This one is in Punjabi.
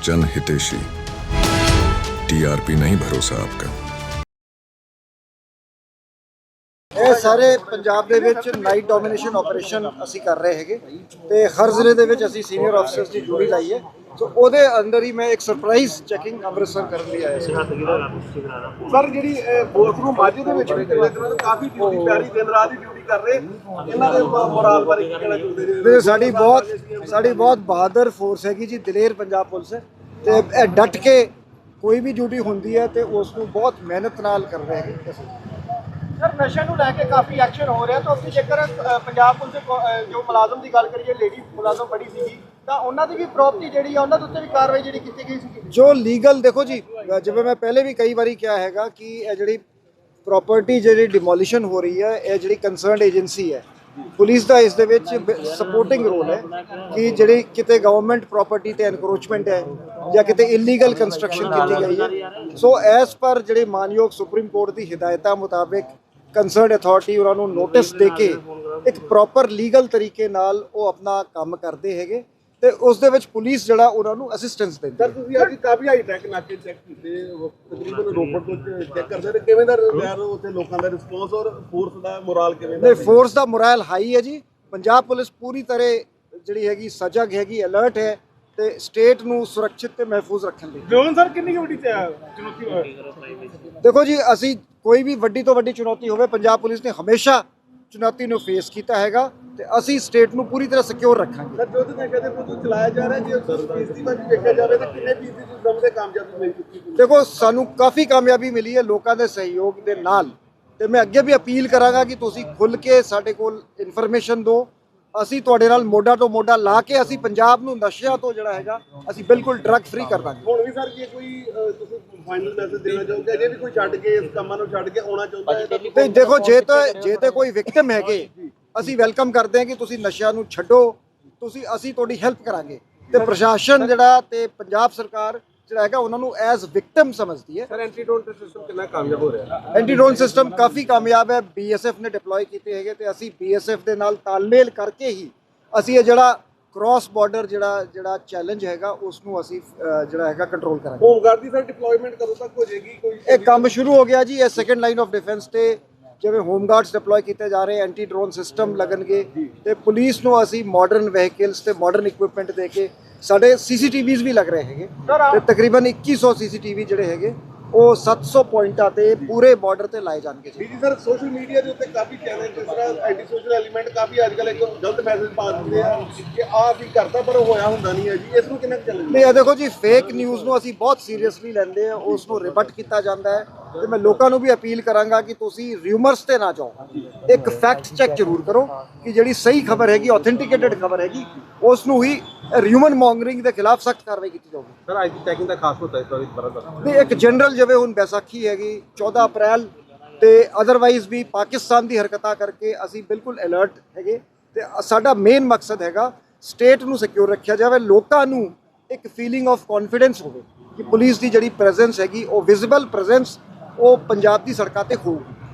जन हितेशी। टीआरपी नहीं भरोसा आपका। ਇਹ ਸਾਰੇ ਪੰਜਾਬ ਦੇ ਵਿੱਚ ਨਾਈਟ ਡੋਮੀਨੇਸ਼ਨ ਆਪਰੇਸ਼ਨ ਅਸੀਂ ਕਰ ਰਹੇ ਹੈਗੇ ਤੇ ਹਰ ਜ਼ਿਲ੍ਹੇ ਦੇ ਵਿੱਚ ਅਸੀਂ ਸੀਨੀਅਰ ਆਫੀਸਰਸ ਦੀ ਡਿਊਟੀ ਲਾਈ ਹੈ। ਸੋ ਉਹਦੇ ਅੰਦਰ ਹੀ ਮੈਂ ਇੱਕ ਸਰਪ੍ਰਾਈਜ਼ ਚੈਕਿੰਗ ਅੰਮ੍ਰਿਤਸਰ ਕਰਨ ਲਈ ਆਇਆ ਸੀ। ਸਰ ਜਿਹੜੀ ਬੋਰਡਰੂਮ ਮਾਝੇ ਦੇ ਵਿੱਚ ਕਾਫੀ ਡਿਊਟੀ ਪਿਆਰੀ ਦਿਨ ਰਾਤ ਦੀ ਡਿਊਟੀ ਕਰ ਰਹੇ ਇਹਨਾਂ ਦੇ ਮੋਰਾਲ ਬਾਰੇ ਕੀ ਕਹਿਣਾ ਚਾਹੁੰਦੇ ਜੀ? ਸਾਡੀ ਬਹੁਤ ਬਹਾਦਰ ਫੋਰਸ ਹੈਗੀ ਜੀ, ਦਲੇਰ ਪੰਜਾਬ ਪੁਲਿਸ ਹੈ ਤੇ ਇਹ ਡਟ ਕੇ ਕੋਈ ਵੀ ਡਿਊਟੀ ਹੁੰਦੀ ਹੈ ਤੇ ਉਸ ਨੂੰ ਬਹੁਤ ਮਿਹਨਤ ਨਾਲ ਕਰ ਰਹੇ ਹੈਗੇ। ਸਰ ਨਸ਼ੇ ਨੂੰ ਲੈ ਕੇ ਕਾਫੀ ਐਕਸ਼ਨ ਹੋ ਰਿਹਾ ਤਾਂ ਅਸੀਂ ਜੇਕਰ ਪੰਜਾਬ ਪੁਲਿਸ ਦੇ ਜੋ ਮੁਲਾਜ਼ਮ ਦੀ ਗੱਲ ਕਰੀਏ, ਲੇਡੀ ਮੁਲਾਜ਼ਮ ਬੜੀ ਸੀਗੀ ਤਾਂ ਉਹਨਾਂ ਦੀ ਵੀ ਪ੍ਰੋਪਰਟੀ ਜਿਹੜੀ ਆ ਉਹਨਾਂ ਦੇ ਉੱਤੇ ਵੀ ਕਾਰਵਾਈ ਜਿਹੜੀ ਕੀਤੀ ਗਈ ਸੀ। ਜੋ ਲੀਗਲ ਦੇਖੋ ਜੀ, ਜਿਵੇਂ ਮੈਂ ਪਹਿਲੇ ਵੀ ਕਈ ਵਾਰੀ ਕਿਹਾ ਹੈਗਾ ਕਿ ਇਹ ਜਿਹੜੀ ਪ੍ਰੋਪਰਟੀ ਜਿਹੜੀ ਡਿਮੋਲੀਸ਼ਨ ਹੋ ਰਹੀ ਹੈ ਇਹ ਜਿਹੜੀ ਕੰਸਰਨਡ ਏਜੰਸੀ ਹੈ ਪੁਲਿਸ ਦਾ ਇਸ ਦੇ ਵਿੱਚ ਸਪੋਰਟਿੰਗ ਰੋਲ ਹੈ ਕਿ ਜਿਹੜੀ ਕਿਤੇ ਗਵਰਨਮੈਂਟ ਪ੍ਰਾਪਰਟੀ ਤੇ ਐਨਕਰੋਚਮੈਂਟ ਹੈ ਜਾਂ ਕਿਤੇ ਇਲੀਗਲ ਕੰਸਟਰਕਸ਼ਨ ਕੀਤੀ ਗਈ ਹੈ। ਸੋ ਐਸ ਪਰ ਜਿਹੜੇ ਮਾਨਯੋਗ ਸੁਪਰੀਮ ਕੋਰਟ ਦੀ ਹਿਦਾਇਤਾਂ ਮੁਤਾਬਿਕ ਕੰਸਰਨਡ ਅਥਾਰਟੀ ਉਹਨਾਂ ਨੂੰ ਨੋਟਿਸ ਦੇ ਕੇ ਇੱਕ ਪ੍ਰੋਪਰ ਲੀਗਲ ਤਰੀਕੇ ਨਾਲ ਉਹ ਆਪਣਾ ਕੰਮ ਕਰਦੇ ਹੈਗੇ ਤੇ ਉਸ ਦੇ ਵਿੱਚ ਪੁਲਿਸ ਜਿਹੜਾ ਉਹਨਾਂ ਨੂੰ ਅਸਿਸਟੈਂਸ ਦਿੰਦੀ ਹੈ। ਸਰ ਤੁਸੀਂ ਅੱਜ ਕਾਫੀ ਹਾਈ ਟੈਕ ਨਾਕੇ ਚੈੱਕ ਕੀਤੇ, ਤਕਰੀਬਨ ਰੋਪੜ ਤੋਂ ਚੈੱਕ ਕਰਦੇ ਨੇ, ਕਿਵੇਂ ਦਾ ਯਾਰ ਉੱਥੇ ਲੋਕਾਂ ਦਾ ਰਿਸਪੌਂਸ ਔਰ ਫੋਰਸ ਦਾ ਮੋਰਾਲ ਕਿਵੇਂ ਦਾ? ਨਹੀਂ, ਫੋਰਸ ਦਾ ਮੋਰਾਲ ਹਾਈ ਹੈ ਜੀ। ਪੰਜਾਬ ਪੁਲਿਸ ਪੂਰੀ ਤਰ੍ਹਾਂ ਜਿਹੜੀ ਹੈਗੀ ਸਜਗ ਹੈਗੀ, ਅਲਰਟ ਹੈ ਤੇ ਸਟੇਟ ਨੂੰ ਸੁਰੱਖਿਅਤ ਤੇ ਮਹਿਫੂਜ਼ ਰੱਖਣ ਲਈ। ਜੋਨ ਸਰ ਕਿੰਨੀ ਵੱਡੀ ਚੁਣੌਤੀ ਦੇਖੋ ਜੀ, ਅਸੀਂ ਕੋਈ ਵੀ ਵੱਡੀ ਤੋਂ ਵੱਡੀ ਚੁਣੌਤੀ ਹੋਵੇ ਪੰਜਾਬ ਪੁਲਿਸ ਨੇ ਹਮੇਸ਼ਾ ਚੁਣੌਤੀ ਨੂੰ ਫੇਸ ਕੀਤਾ ਹੈਗਾ ਤੇ ਅਸੀਂ ਸਟੇਟ ਨੂੰ ਪੂਰੀ ਤਰ੍ਹਾਂ ਸਿਕਿਉਰ ਰੱਖਾਂਗੇ। ਸਰ ਜੋ ਤੁਸੀਂ ਕਹਿੰਦੇ ਪ੍ਰੋਜੈਕਟ ਚਲਾਇਆ ਜਾ ਰਿਹਾ, ਜੇ ਫੀਸਦੀ ਵੱਲ ਦੇਖਿਆ ਜਾਵੇ ਤਾਂ ਕਿੰਨੇ ਫੀਸਦੀ ਤੁਸੀਂ ਦੇ ਕਾਮਯਾਬੀ ਮਿਲ ਚੁੱਕੀ ਹੈ? ਦੇਖੋ, ਸਾਨੂੰ ਕਾਫੀ ਕਾਮਯਾਬੀ ਮਿਲੀ ਹੈ ਲੋਕਾਂ ਦੇ ਸਹਿਯੋਗ ਦੇ ਨਾਲ ਤੇ ਮੈਂ ਅੱਗੇ ਵੀ ਅਪੀਲ ਕਰਾਂਗਾ ਕਿ ਤੁਸੀਂ ਖੁੱਲ੍ਹ ਕੇ ਸਾਡੇ ਕੋਲ ਇਨਫੋਰਮੇਸ਼ਨ ਦਿਓ। ਅਸੀਂ ਤੁਹਾਡੇ ਨਾਲ ਮੋਢਾ ਤੋਂ ਮੋਢਾ ਲਾ ਕੇ ਅਸੀਂ ਪੰਜਾਬ ਨੂੰ ਨਸ਼ਿਆਂ ਤੋਂ ਜਿਹੜਾ ਹੈਗਾ ਅਸੀਂ ਬਿਲਕੁਲ ਡਰੱਗ ਫ੍ਰੀ ਕਰ ਦਾਂਗੇ। ਹੁਣ ਵੀ ਸਰ ਜੇ ਕੋਈ ਤੁਸੀਂ ਫਾਈਨਲ ਮੈਸੇਜ ਦੇਣਾ ਚਾਹੋਗੇ, ਜੇ ਵੀ ਕੋਈ ਛੱਡ ਕੇ ਇਸ ਕੰਮਾਂ ਨੂੰ ਛੱਡ ਕੇ ਆਉਣਾ ਚਾਹੁੰਦਾ ਹੈ ਤਾਂ? ਤੇ ਦੇਖੋ, ਜੇ ਤੇ ਕੋਈ ਵਿਕਟਮ ਹੈਗੇ ਅਸੀਂ ਵੈਲਕਮ ਕਰਦੇ ਹਾਂ ਕਿ ਤੁਸੀਂ ਨਸ਼ਿਆਂ ਨੂੰ ਛੱਡੋ, ਅਸੀਂ ਤੁਹਾਡੀ ਹੈਲਪ ਕਰਾਂਗੇ ਤੇ ਪ੍ਰਸ਼ਾਸਨ ਜਿਹੜਾ ਤੇ ਪੰਜਾਬ ਸਰਕਾਰ ਜਿਹੜਾ ਹੈਗਾ ਉਹਨਾਂ ਨੂੰ ਐਜ਼ ਵਿਕਟਮ ਸਮਝਦੀ ਹੈ। ਸਰ ਐਂਟੀਡੋਟ ਸਿਸਟਮ ਕਿੰਨਾ ਕਾਮਯਾਬ ਹੋ ਰਿਹਾ? ਐਂਟੀਡੋਨ ਸਿਸਟਮ ਕਾਫੀ ਕਾਮਯਾਬ ਹੈ। BSF ਨੇ ਡਿਪਲੋਏ ਕੀਤੇ ਹੈਗੇ ਤੇ ਅਸੀਂ BSF ਦੇ ਨਾਲ ਤਾਲਮੇਲ ਕਰਕੇ ਹੀ ਅਸੀਂ ਇਹ ਜਿਹੜਾ ਕ੍ਰਾਸ ਬਾਰਡਰ ਜਿਹੜਾ ਚੈਲੰਜ ਹੈਗਾ ਉਸ ਨੂੰ ਅਸੀਂ ਜਿਹੜਾ ਹੈਗਾ ਕੰਟਰੋਲ ਕਰਾਂਗੇ। ਹੋਮਗਾਰਡ ਦੀ ਸਰ ਡਿਪਲੋਇਮੈਂਟ ਕਦੋਂ ਤੱਕ ਹੋ ਜਾਏਗੀ? ਕੋਈ ਇਹ ਕੰਮ ਸ਼ੁਰੂ ਹੋ ਗਿਆ ਜੀ। ਇਹ ਸੈਕੰਡ ਲਾਈਨ ਆਫ ਡਿਫੈਂਸ ਤੇ ਜਿਵੇਂ ਹੋਮਗਾਰਡਸ ਡਿਪਲੋਏ ਕੀਤੇ ਜਾ ਰਹੇ, ਐਂਟੀ ਡਰੋਨ ਸਿਸਟਮ ਲੱਗਣਗੇ ਤੇ ਪੁਲਿਸ ਨੂੰ ਅਸੀਂ ਮਾਡਰਨ ਵਹੀਕਲਸ ਤੇ ਮਾਡਰਨ ਇਕਵਿਪਮੈਂਟ ਦੇ ਕੇ ਸਾਡੇ CCTVs ਵੀ ਲੱਗ ਰਹੇ ਹੈਗੇ ਤੇ ਤਕਰੀਬਨ 2100 CCTV ਜਿਹੜੇ ਹੈਗੇ ਉਹ 700 ਪੁਆਇੰਟਾਂ ਤੇ ਪੂਰੇ ਬਾਰਡਰ ਤੇ ਲਾਏ ਜਾਣਗੇ ਜੀ। ਜੀ ਸਰ, ਸੋਸ਼ਲ ਮੀਡੀਆ ਦੇ ਉੱਤੇ ਕਾਫੀ ਚੈਨਲ ਜਿਸ ਤਰ੍ਹਾਂ ਐਂਟੀ ਸੋਸ਼ਲ ਐਲੀਮੈਂਟ ਕਾਫੀ ਅੱਜ ਕੱਲ੍ਹ ਇੱਕ ਗਲਤ ਮੈਸੇਜ ਪਾ ਦਿੰਦੇ ਆ ਕਿ ਆਹ ਵੀ ਕਰਦਾ ਪਰ ਹੋਇਆ ਹੁੰਦਾ ਨਹੀਂ ਹੈ ਜੀ, ਇਸ ਨੂੰ ਕਿੰਨਾ ਚੱਲਦਾ? ਨਹੀਂ, ਇਹ ਦੇਖੋ ਜੀ, ਫੇਕ ਨਿਊਜ਼ ਨੂੰ ਅਸੀਂ ਬਹੁਤ ਸੀਰੀਅਸਲੀ ਲੈਂਦੇ ਆ, ਉਸ ਨੂੰ ਰਿਬਟ ਕੀਤਾ ਜਾਂਦਾ ਹੈ ਤੇ ਮੈਂ ਲੋਕਾਂ ਨੂੰ ਵੀ ਅਪੀਲ ਕਰਾਂਗਾ ਕਿ ਤੁਸੀਂ ਰਿਊਮਰਸ ਤੇ ਨਾ ਜਾਓ, ਇੱਕ ਫੈਕਟ ਚੈੱਕ ਜ਼ਰੂਰ ਕਰੋ ਕਿ ਜਿਹੜੀ ਸਹੀ ਖਬਰ ਹੈਗੀ, ਆਥੈਂਟਿਕੇਟਡ ਖਬਰ ਹੈਗੀ, ਉਸ ਨੂੰ ਹੀ ਹਿਊਮਨ ਮੌਂਗਰਿੰਗ ਦੇ ਖਿਲਾਫ ਸਖਤ ਕਾਰਵਾਈ ਕੀਤੀ ਜਾਊਗੀ। ਸਰ ਅੱਜ ਦੀ ਚੈਕਿੰਗ ਦਾ ਖਾਸ ਹੁੰਦਾ ਇਸ ਵਾਰ ਬਰਦਰ ਨਹੀਂ, ਇੱਕ ਜਨਰਲ ਜਿਵੇਂ ਹੁਣ ਬੈਸਾਖੀ ਹੈਗੀ 14 ਅਪ੍ਰੈਲ ਤੇ ਅਦਰਵਾਈਜ਼ ਵੀ ਪਾਕਿਸਤਾਨ ਦੀ ਹਰਕਤਾਂ ਕਰਕੇ ਅਸੀਂ ਬਿਲਕੁਲ ਅਲਰਟ ਹੈਗੇ ਤੇ ਸਾਡਾ ਮੇਨ ਮਕਸਦ ਹੈਗਾ ਸਟੇਟ ਨੂੰ ਸਿਕਿਉਰ ਰੱਖਿਆ ਜਾਵੇ, ਲੋਕਾਂ ਨੂੰ ਇੱਕ ਫੀਲਿੰਗ ਆਫ ਕੌਨਫੀਡੈਂਸ ਹੋਵੇ ਕਿ ਪੁਲਿਸ ਦੀ ਜਿਹੜੀ ਪ੍ਰੈਜ਼ੈਂਸ ਹੈਗੀ ਉਹ ਵਿਜ਼ੀਬਲ ਪ੍ਰੈਜ਼ੈਂਸ ਉਹ ਪੰਜਾਬ ਦੀ ਸੜਕਾਂ ਤੇ ਹੋਊਗੀ।